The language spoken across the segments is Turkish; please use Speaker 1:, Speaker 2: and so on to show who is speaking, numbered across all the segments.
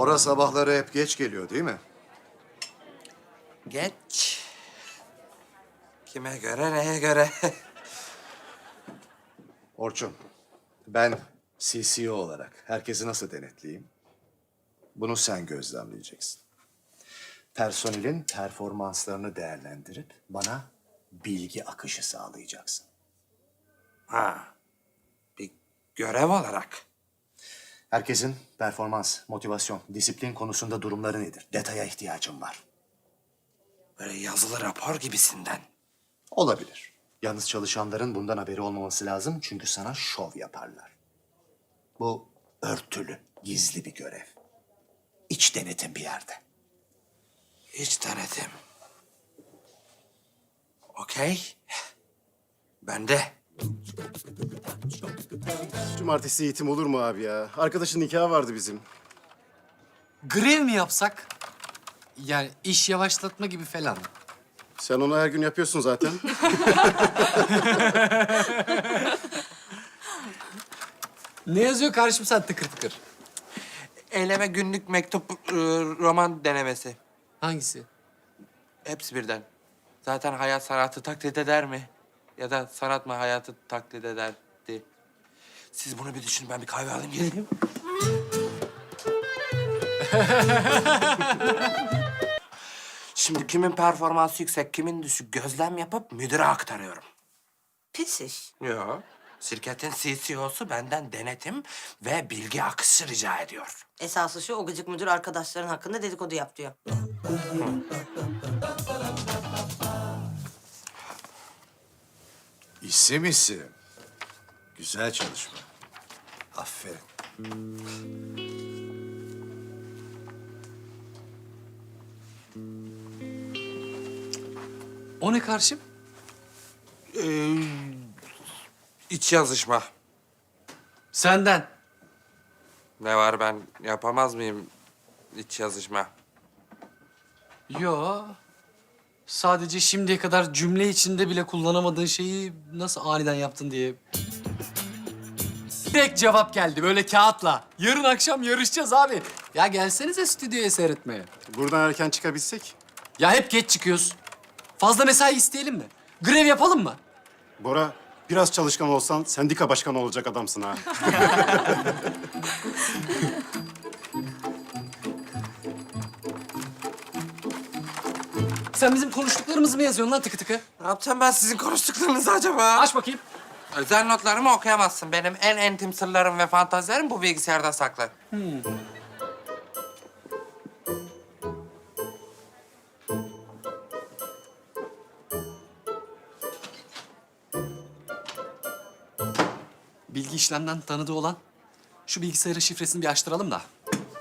Speaker 1: Bora sabahları hep geç geliyor değil mi?
Speaker 2: Geç. Kime göre, neye göre?
Speaker 1: Orçun, ben CCO olarak herkesi nasıl denetleyeyim? Bunu sen gözlemleyeceksin. Personelin performanslarını değerlendirip bana bilgi akışı sağlayacaksın.
Speaker 2: Ha, bir görev olarak.
Speaker 1: Herkesin performans, motivasyon, disiplin konusunda durumları nedir? Detaya ihtiyacım var.
Speaker 2: Böyle yazılı rapor gibisinden.
Speaker 1: Olabilir. Yalnız çalışanların bundan haberi olmaması lazım çünkü sana şov yaparlar. Bu örtülü, gizli bir görev. İç denetim bir yerde.
Speaker 2: Hiç denedim. Okey. Ben de.
Speaker 3: Cumartesi eğitim olur mu abi ya? Arkadaşın nikahı vardı bizim.
Speaker 4: Grev mi yapsak? Yani iş yavaşlatma gibi falan.
Speaker 3: Sen onu her gün yapıyorsun zaten.
Speaker 4: Ne yazıyor karşım sen tıkır tıkır?
Speaker 2: Eyleme günlük mektup, roman denemesi.
Speaker 4: Hangisi?
Speaker 2: Hepsi birden. Zaten hayat sanatı taklit eder mi? Ya da sanat mı hayatı taklit ederdi? Siz bunu bir düşünün, ben bir kahve alayım geleyim. Şimdi kimin performansı yüksek, kimin düşük gözlem yapıp müdüre aktarıyorum.
Speaker 5: Pis iş.
Speaker 2: Yok. Şirketin CCO'su benden denetim ve bilgi akışı rica ediyor.
Speaker 5: Esası şu, o gıcık müdür arkadaşların hakkında dedikodu yap diyor.
Speaker 1: İsim. Güzel çalışma. Aferin.
Speaker 4: O ne karşım?
Speaker 2: İç yazışma.
Speaker 4: Senden.
Speaker 2: Ne var, ben yapamaz mıyım iç yazışma?
Speaker 4: Yo. Sadece şimdiye kadar cümle içinde bile kullanamadığın şeyi nasıl aniden yaptın diye. Direkt cevap geldi böyle kağıtla. Yarın akşam yarışacağız abi. Ya gelsenize stüdyoya seyretmeye.
Speaker 3: Buradan erken çıkabilsek.
Speaker 4: Ya hep geç çıkıyoruz. Fazla mesai isteyelim mi? Grev yapalım mı?
Speaker 3: Bora, biraz çalışkan olsan sendika başkanı olacak adamsın ha.
Speaker 4: Sen bizim konuştuklarımızı mı yazıyorsun lan tıkı tıkı?
Speaker 2: Ne yapacağım ben sizin konuştuklarınızı acaba?
Speaker 4: Aç bakayım.
Speaker 2: Özel notlarımı okuyamazsın. Benim en intim sırlarım ve fantazilerim bu bilgisayarda saklı.
Speaker 4: Bilgi işlemden tanıdığı olan şu bilgisayarın şifresini bir açtıralım da.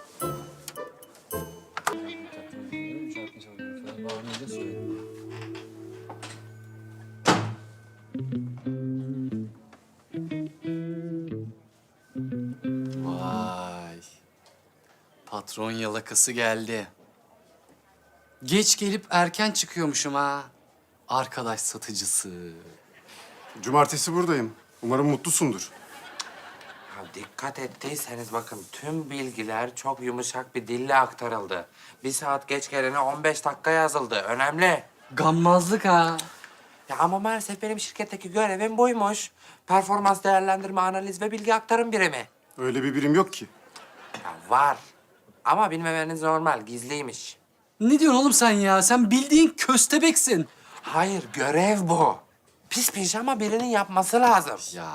Speaker 4: Vay. Patron yalakası geldi. Geç gelip erken çıkıyormuşum ha. Arkadaş satıcısı.
Speaker 3: Cumartesi buradayım. Umarım mutlusundur.
Speaker 2: Ya dikkat ettiyseniz bakın, tüm bilgiler çok yumuşak bir dille aktarıldı. 1 saat geç gelene 15 dakika yazıldı. Önemli.
Speaker 4: Gammazlık ha.
Speaker 2: Ya ama maalesef benim şirketteki görevim buymuş. Performans değerlendirme, analiz ve bilgi aktarım birimi.
Speaker 3: Öyle bir birim yok ki.
Speaker 2: Ya var. Ama bilmemeniz normal, gizliymiş.
Speaker 4: Ne diyorsun oğlum sen ya? Sen bildiğin köstebeksin.
Speaker 2: Hayır, görev bu. Pis pijama birinin yapması lazım.
Speaker 4: Ya.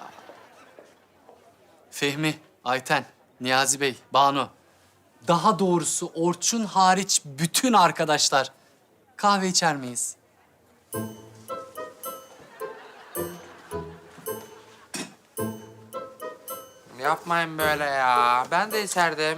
Speaker 4: Fehmi, Ayten, Niyazi Bey, Banu. Daha doğrusu Orçun hariç bütün arkadaşlar. Kahve içer miyiz?
Speaker 2: Yapmayın böyle ya. Ben de içerdim.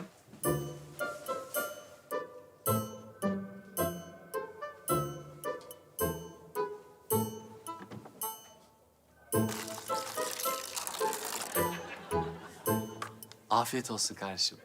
Speaker 4: Afiyet olsun kardeşim.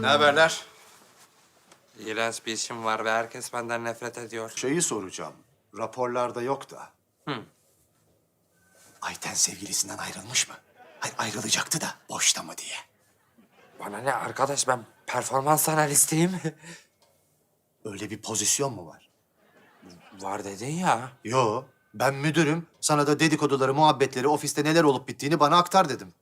Speaker 3: Ne haberler?
Speaker 2: İğrenç bir işim var ve herkes benden nefret ediyor.
Speaker 1: Şeyi soracağım. Raporlarda yok da. Ayten sevgilisinden ayrılmış mı? Hayır, ayrılacaktı da boşta mı diye.
Speaker 2: Bana ne arkadaş, ben performans analistiyim.
Speaker 1: Öyle bir pozisyon mu var?
Speaker 2: Var dedin ya.
Speaker 1: Yo, ben müdürüm. Sana da dedikoduları, muhabbetleri, ofiste neler olup bittiğini bana aktar dedim.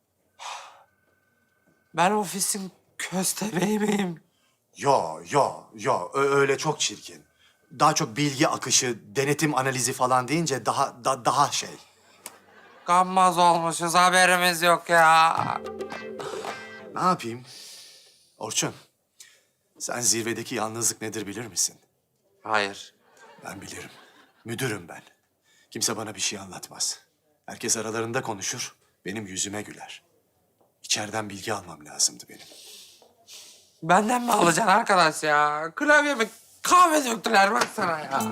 Speaker 2: Ben ofisin köstebeği miyim?
Speaker 1: Yo. Öyle çok çirkin. Daha çok bilgi akışı, denetim analizi falan deyince daha şey.
Speaker 2: Gammaz olmuşuz, haberimiz yok ya.
Speaker 1: Ne yapayım? Orçun, sen zirvedeki yalnızlık nedir bilir misin?
Speaker 2: Hayır.
Speaker 1: Ben bilirim. Müdürüm ben. Kimse bana bir şey anlatmaz. Herkes aralarında konuşur, benim yüzüme güler. İçeriden bilgi almam lazımdı benim.
Speaker 2: Benden mi alacaksın arkadaş ya? Klavyeme kahve döktüler baksana ya.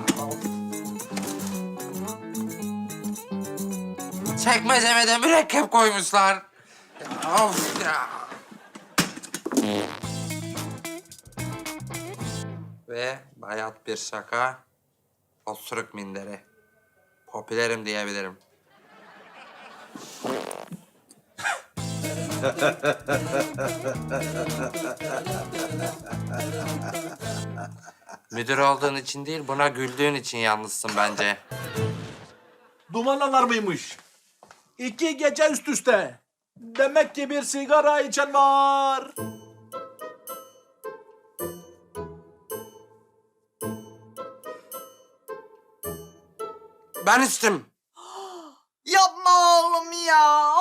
Speaker 2: Çekmeceme de mürekkep koymuşlar. Ya, of ya. Ve bayat bir şaka, osuruk minderi. Popülerim diyebilirim. Müdür olduğun için değil, buna güldüğün için yalnızsın bence.
Speaker 6: Duman alarmıymış. 2 gece üst üste. Demek ki bir sigara içen var.
Speaker 2: Ben içtim.
Speaker 5: Yapma oğlum ya.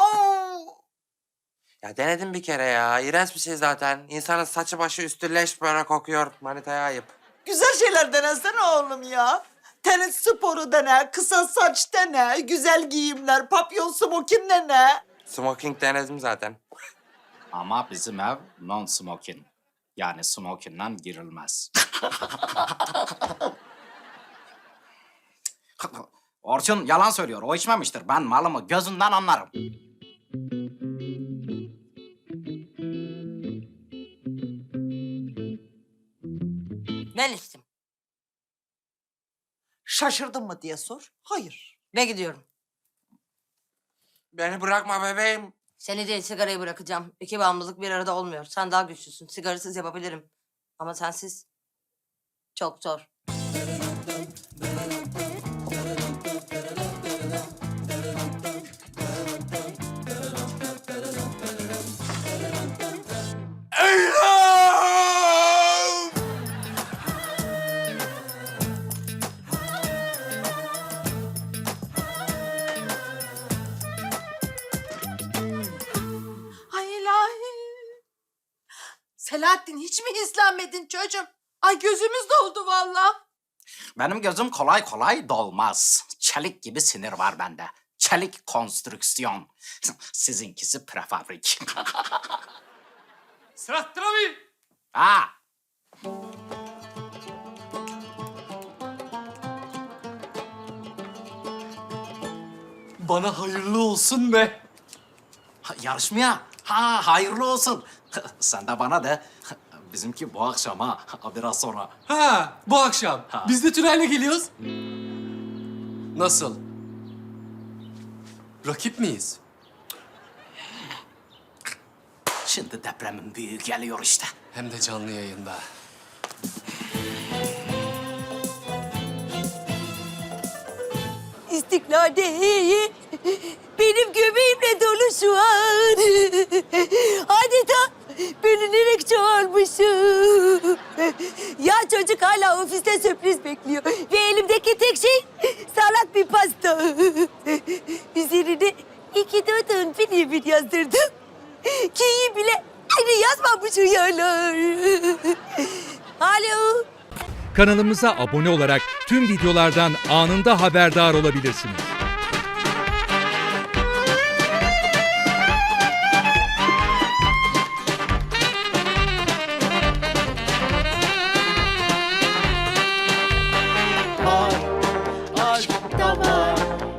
Speaker 2: Ya denedim bir kere ya. İğrenç bir şey zaten. İnsanın saçı başı üstü leş böyle kokuyor. Manitaya ayıp.
Speaker 7: Güzel şeyler denesene oğlum ya. Tenis sporu dene, kısa saç dene, güzel giyimler, papyon smokin dene.
Speaker 2: Smoking denedim zaten.
Speaker 4: Ama bizim ev non-smoking. Yani smoking'den girilmez. Orçun yalan söylüyor. O içmemiştir. Ben malımı gözünden anlarım.
Speaker 5: Ben içtim.
Speaker 7: Şaşırdın mı diye sor. Hayır.
Speaker 5: Ve gidiyorum.
Speaker 2: Beni bırakma bebeğim.
Speaker 5: Seni değil, sigarayı bırakacağım. İki bağımlılık bir arada olmuyor. Sen daha güçlüsün. Sigarasız yapabilirim. Ama sensiz çok zor.
Speaker 7: Ay ilahi. Selahattin hiç mi izlenmedin çocuğum? Ay gözümüz doldu vallahi.
Speaker 4: Benim gözüm kolay kolay dolmaz. Çelik gibi sinir var bende. Çelik konstrüksiyon. Sizinkisi prefabrik.
Speaker 6: Sırattır abi.
Speaker 4: Ha!
Speaker 6: Bana hayırlı olsun be.
Speaker 4: Yarışmaya. Ha hayırlı olsun. Sen de bana de. Bizimki bu akşam ha. Biraz sonra.
Speaker 8: Ha, bu akşam. Biz de Tülay'la geliyoruz. Nasıl? Rakip miyiz?
Speaker 4: Şimdi depremin büyüğü geliyor işte.
Speaker 8: Hem de canlı yayında.
Speaker 7: İstiklal'de benim göbeğimle dolu şu an. Adeta bölünerek çoğalmışım. Ya çocuk hala ofiste sürpriz bekliyor. Ve elimdeki tek şey salat bir pasta. Üzerine iki doğduğun bir yazdırdım. Ki iyi bile aynı yazmamış uyarlar. Alo.
Speaker 9: Kanalımıza abone olarak tüm videolardan anında haberdar olabilirsiniz.
Speaker 7: Aşk da var.